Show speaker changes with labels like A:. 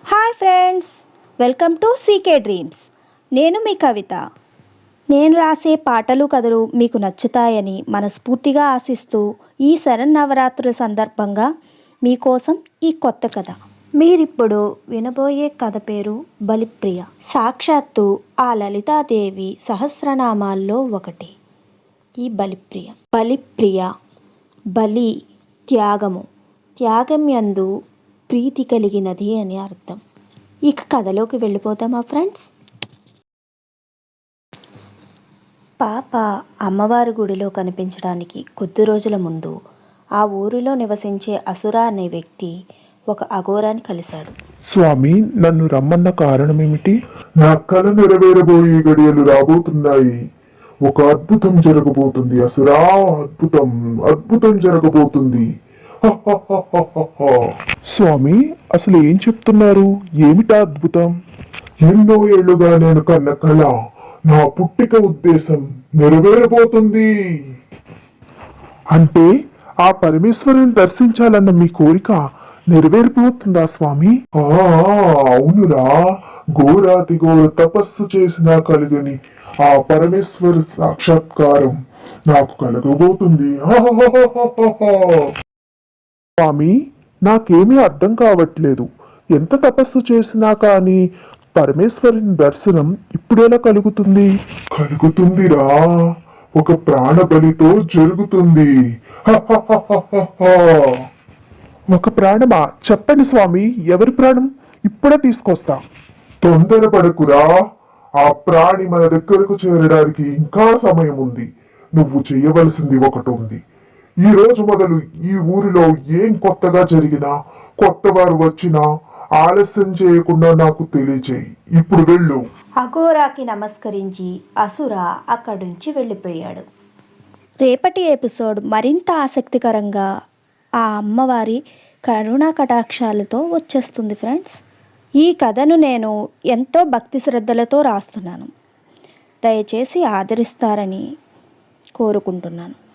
A: Hi friends, welcome to CK dreams. నేను మీ కవిత. నేను రాసే పాటలు కథలు మీకు నచ్చుతాయని మనస్ఫూర్తిగా ఆశిస్తూ ఈ శరన్నవరాత్రుల సందర్భంగా మీకోసం ఈ కొత్త కథ. మీరిప్పుడు వినబోయే కథ పేరు బలిప్రియ. సాక్షాత్తు ఆ లలితాదేవి సహస్రనామాల్లో ఒకటి ఈ బలిప్రియ. బలిప్రియ, బలి త్యాగము, త్యాగం యందు ప్రీతి కలిగినది అని అర్థం. ఇక కథలోకి వెళ్ళిపోతామా ఫ్రెండ్స్? పాప అమ్మవారి గుడిలో కనిపించడానికి కొద్ది రోజుల ముందు ఆ ఊరిలో నివసించే అసుర అనే వ్యక్తి ఒక అఘోరాన్ని కలిశాడు.
B: స్వామి, నన్ను రమ్మన్న కారణమేమిటి? నా కల నెరవేరబోయే గడియలు రాబోతున్నాయి. ఒక అద్భుతం జరగబోతుంది అసురా, అద్భుతం అద్భుతం జరగబోతుంది. స్వామి, అసలు ఏం చెప్తున్నారు? ఏమిటా అద్భుతం? ఎన్నో ఏళ్లుగా నేను కన్న కళ, నా పుట్టిక ఉద్దేశం నెరవేరబోతుంది. అంటే ఆ పరమేశ్వరుని దర్శించాలన్న మీ కోరిక నెరవేరిపోతుందా స్వామి? అవునురా, ఘోరాతి ఘోర తపస్సు చేసినా కలుగని ఆ పరమేశ్వర సాక్షాత్కారం నాకు కలగబోతుంది. స్వామి, నాకేమీ అర్థం కావట్లేదు. ఎంత తపస్సు చేసినా కానీ పరమేశ్వరుని దర్శనం ఇప్పుడెలా కలుగుతుంది? కలుగుతుందిరా, ఒక ప్రాణ బలితో జరుగుతుంది. ఒక ప్రాణమా? చెప్పండి స్వామి, ఎవరి ప్రాణం? ఇప్పుడే తీసుకొస్తా. తొందరపడకురా, ఆ ప్రాణి మన దగ్గరకు చేరడానికి ఇంకా సమయం ఉంది. నువ్వు చేయవలసింది ఒకటి ఉంది. ఈ రోజు మొదలు ఈ ఊరిలో ఏం కొత్తగా జరిగినా, కొత్త వారు వచ్చినా ఆలస్యం చేయకుండా నాకు తెలియచేయి. ఇప్పుడు వెళ్ళు.
A: అఘోరాకి నమస్కరించి అసుర అక్కడి నుంచి వెళ్ళిపోయాడు. రేపటి ఎపిసోడ్ మరింత ఆసక్తికరంగా ఆ అమ్మవారి కరుణా కటాక్షాలతో వచ్చేస్తుంది ఫ్రెండ్స్. ఈ కథను నేను ఎంతో భక్తి శ్రద్ధలతో రాస్తున్నాను. దయచేసి ఆదరిస్తారని కోరుకుంటున్నాను.